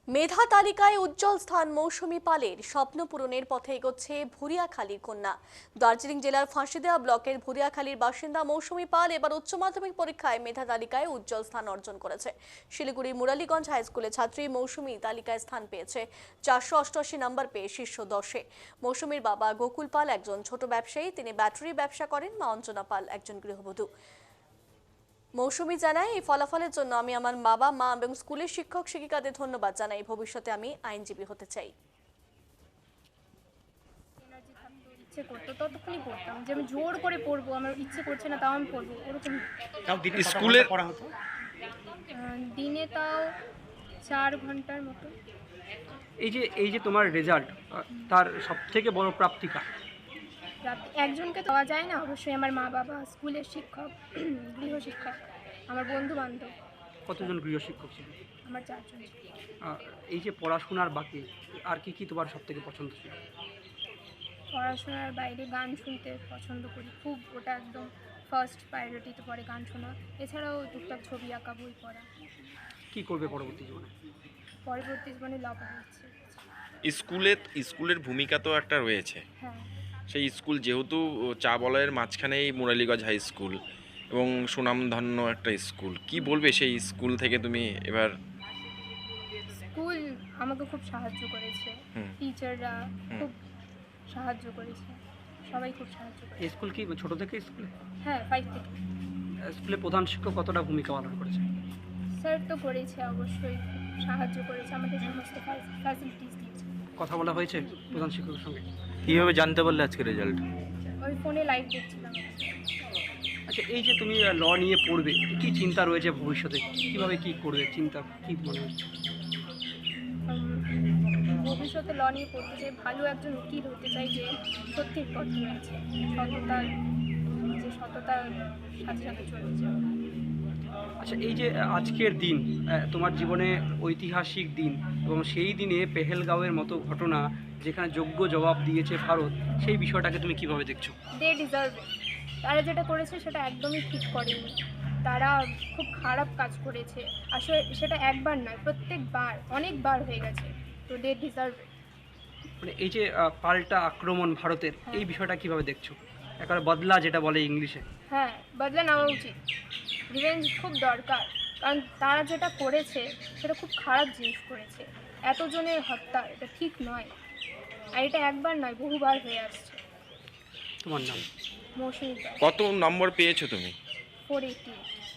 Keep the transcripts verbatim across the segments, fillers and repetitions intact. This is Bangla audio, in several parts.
মেধা তালিকায় উজ্জ্বল স্থান মৌসুমী পালের স্বপ্ন পূরণের পথে এগোচ্ছে ভুরিয়াখালীর কন্যা। দার্জিলিং জেলার ফাঁসিদেওয়া ব্লকের ভুরিয়াখালীর বাসিন্দা মৌসুমী পাল এবার উচ্চ মাধ্যমিক পরীক্ষায় মেধা তালিকায় উজ্জ্বল স্থান অর্জন করেছে। শিলিগুড়ির মুরালীগঞ্জ হাই স্কুলের ছাত্রী মৌসুমী তালিকায় স্থান পেয়েছে চারশো অষ্টআশি নম্বর পেয়ে শীর্ষ দশে। মৌসুমীর বাবা গোকুল পাল একজন ছোট ব্যবসায়ী, তিনি ব্যাটারি ব্যবসা করেন। মা অঞ্জনা পাল একজন গৃহবধূ। মৌসুমী জানায়, এই ফলাফলের জন্য আমি আমার বাবা মা এবং স্কুলের শিক্ষক শিক্ষিকাদের ধন্যবাদ জানাই। ভবিষ্যতে আমি আইনজীবী হতে চাই। ইচ্ছে করতো ততক্ষণই পড়তাম, যে আমি জোর করে পড়বো, আমার ইচ্ছে করছে না তাও আমি পড়বো, ওরকম স্কুলে পড়া হতো। আহ, দিনে তাও চার ঘন্টার মতো। এই যে এই যে তোমার রেজাল্ট, তার সব থেকে বড় প্রাপ্তিকা রাত- একজনকে দেওয়া যায় না, অবশ্যই আমার মা বাবা, স্কুলের শিক্ষক, গৃহশিক্ষক, আমার বন্ধু বান্ধব। কতজন গৃহশিক্ষক ছিল? আমার চারজন ছিল। আহ, এই যে পড়াশোনার বাকি আর কি কি তোমার সব থেকে পছন্দ ছিল? পড়াশোনার বাইরে গান শুনতে পছন্দ করি খুব, ওটা একদম ফার্স্ট প্রায়োরিটিতে পড়ে গান শোনা। এছাড়াও টুকটাক ছবি আঁকা, বই পড়া। কি করবে পরবর্তী জীবনে? পরবর্তী জীবনে ল পড়ার ইচ্ছে। স্কুলে স্কুলের ভূমিকা তো একটা রয়েছে। হ্যাঁ, সেই স্কুল যেহেতু চা বলয়ের মাঝখানেই মুরালীগঞ্জ হাই স্কুল এবং সুনামধন্য একটা স্কুল, কি বলবে সেই স্কুল থেকে তুমি এবার? স্কুল আমাকে খুব সাহায্য করেছে, হুম। টিচাররা খুব সাহায্য করেছে, সবাই খুব সাহায্য এই করেছে। স্কুল কি ছোট থেকে স্কুলে? হ্যাঁ, ফাইভ থেকে। স্কুলে প্রধান শিক্ষক কতটা ভূমিকা পালন করেছে? স্যার তো করেছে, অবশ্যই খুব সাহায্য করেছে, আমাদের সমস্ত ফ্যাসিলিটিস দিয়েছে। কথা বলা হয়েছে প্রধান শিক্ষকের সঙ্গে? কীভাবে জানতে পারলে আজকে রেজাল্ট? ওই ফোনে লাইভ দেখছিলাম। আচ্ছা, এই যে তুমি ল নিয়ে পড়বে, কি চিন্তা রয়েছে ভবিষ্যতে? কিভাবে কি করবে চিন্তা কি মনে হচ্ছে? উম, ভবিষ্যতে ল নিয়ে পড়তে চাই, ভালো একজন উকিল হতে চাই, যে সত্যির পথ রয়েছে, সততার, যে সততার সাথে সাথে চলেছে। আচ্ছা, এই যে আজকের দিন আহ, তোমার জীবনে ঐতিহাসিক দিন, এবং সেই দিনে পেহেলগাঁওয়ের মতো ঘটনা যেখানে যোগ্য জবাব দিয়েছে ভারত, সেই বিষয়টাকে তুমি কিভাবে দেখছো? They deserve. তারা যেটা করেছে সেটা একদমই ঠিক করেনি, তারা খুব খারাপ কাজ করেছে। আসলে সেটা একবার নয়, প্রত্যেকবার, অনেকবার হয়ে গেছে। তো দে ডিজার্ভ। মানে এই যে আহ, পাল্টা আক্রমণ ভারতের, এই বিষয়টা কিভাবে দেখছো? একেবারে বদলা যেটা বলে ইংলিশে। হ্যাঁ, বদলা নেওয়া উচিত, রিভেঞ্জ খুব দরকার। কারণ তারা যেটা করেছে সেটা খুব খারাপ জিনিস করেছে, এতজনের হত্যা, এটা ঠিক নয়। আর এটা একবার নয়, বহুবার হয়ে আসছে। তোমার নাম? মৌসুমী দাস, কত নম্বর পেয়েছো তুমি? Four eighty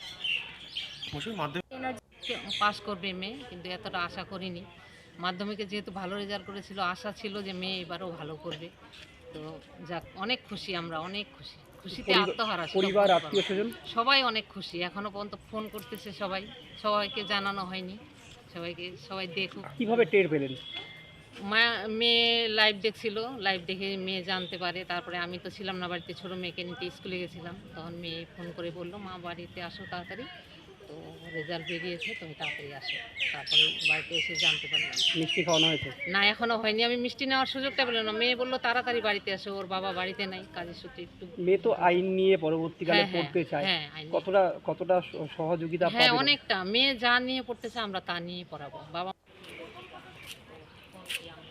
energy. পাস করবে মেয়ে, কিন্তু এতটা আশা করিনি। মাধ্যমিকে যেহেতু ভালো রেজাল্ট করেছিল, আশা ছিল যে মেয়ে এবারও ভালো করবে। তো যাক, অনেক খুশি আমরা, অনেক খুশি, খুশিতে পরিবার- আত্মহারা। পরিবার, আত্মীয় স্বজন সবাই অনেক খুশি, এখনো পর্যন্ত ফোন করতেছে সবাই, সবাইকে জানানো হয়নি, সবাইকে, সবাই দেখুক। কিভাবে টের পেলেন? মা, মেয়ে লাইভ দেখছিল, লাইভ দেখে মেয়ে জানতে পারে। তারপরে আমি তো ছিলাম না বাড়িতে, ছোটো মেয়েকে নিতে স্কুলে গেছিলাম, তখন মেয়ে ফোন করে বললো, মা বাড়িতে আসো তাড়াতাড়ি, তো রেজাল্ট বেরিয়েছে, তুমি তাড়াতাড়ি আসো। তারপরে বাড়িতে এসে জানতে পারলাম। মিষ্টি খাওয়ানো হয়েছে? না, এখনো হয়নি, আমি মিষ্টি নেওয়ার সুযোগটা পেলাম না। মেয়ে বললো তাড়াতাড়ি বাড়িতে আসো, ওর বাবা বাড়িতে নাই, কাজের সূত্রে একটু। মেয়ে তো আইন নিয়ে পরবর্তীকালে হ্যাঁ, হ্যাঁ, পড়তে চায়, হ্যাঁ, আইন- কতটা কতটা সহযোগিতা হ্যাঁ, পাবে? অনেকটা। মেয়ে যা নিয়ে পড়তেছে আমরা তা নিয়ে পড়াবো। বাবা